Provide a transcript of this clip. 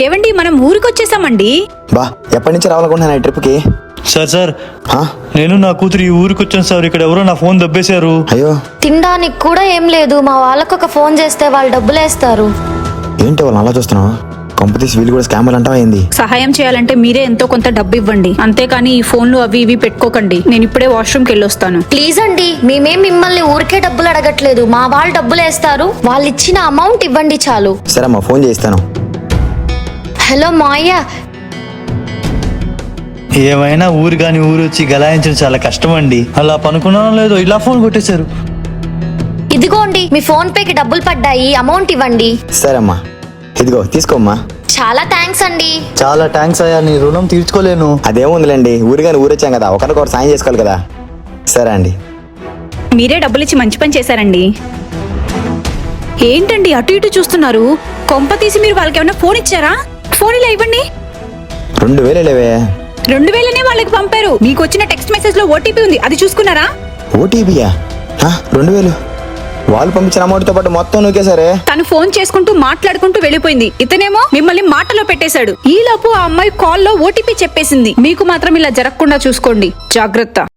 ఏవండి మనం ఊరికొచ్చేసామండి. బా ఎప్పటి నుంచి రావాలనుకుంటున్నాను ఈ ట్రిప్కి? సార్ నేను నా కూతురు ఈ ఊరికి వచ్చాను సార్. ఇక్కడ ఎవరో నా ఫోన్ దబ్బేశారు. అయ్యో, తినడానికి కూడా ఏం లేదు. మా వాళ్ళకు ఒక ఫోన్ చేస్తే వాళ్ళు డబ్బులు వేస్తారు. ఏంటి వాళ్ళు అలా చూస్తున్నావు? కంపెనీస్ వీళ్ళు కూడా స్కామర్ అంటావా ఏంది? సహాయం చేయాలంటే మీరే ఎంతో కొంత డబ్బు ఇవ్వండి, అంతేకాని ఈ ఫోన్లు అవి ఇవి పెట్టుకోకండి. నేను ఇప్పుడే వాష్రూమ్కి వెళ్ళొస్తాను. ప్లీజ్ అండి, మేమేం మిమ్మల్ని ఊరికే డబ్బులు అడగట్లేదు. మా వాళ్ళు డబ్బులు వేస్తారు. వాళ్ళు ఇచ్చిన అమౌంట్ ఇవ్వండి చాలు. సరే అమ్మా, ఫోన్ చేయిస్తాను. హలో మాయ, ఏమైనా ఊరు కాని ఊరు వచ్చి గలాయించడం చాలా కష్టం అండి. అలా పనుకున్నానో లేదో ఇలా ఫోన్ కొట్టేశారు. ఇదిగోండి మీ ఫోన్ పేకి డబ్బులు పడ్డాయి, అమౌంట్ ఇవ్వండి. సరే అమ్మా, ఇదిగో తీసుకోమ్మా. చాలా థ్యాంక్స్ అండి. చాలా థ్యాంక్స్ అయ్యా, నీ రుణం తీర్చుకోలేను. అదేముందిలేండి, ఊరిగాని ఊరొచ్చాం కదా, ఒకరికొకరు సాయం చేసుకోవాలి కదా. సరే అండి. మీరే డబ్బులు ఇచ్చి మంచి పని చేశారండి. ఏంటండి అటు ఇటు చూస్తున్నారు? కొంప తీసి మీరు వాళ్ళకి ఏమైనా ఫోన్ ఇచ్చారా? ఫోన్ ఇలా ఇవ్వండి. 2000 లేవే. 2000 వాళ్ళకి పంపారు. మీకు వచ్చిన టెక్స్ట్ మెసేజ్ లో ఓటీపీ ఉంది, అది చూసుకున్నారా? ఓటీపీయా? 2000 వాళ్ళు పంపించిన అమౌంట్ తో పాటు మొత్తం నూకేశారే. తను ఫోన్ చేసుకుంటూ మాట్లాడుకుంటూ వెళ్ళిపోయింది. ఇతనేమో మిమ్మల్ని మాటలో పెట్టేశాడు. ఈలోపు ఆ అమ్మాయి కాల్లో ఓటీపీ చెప్పేసింది. మీకు మాత్రం ఇలా జరగకుండా చూసుకోండి, జాగ్రత్త.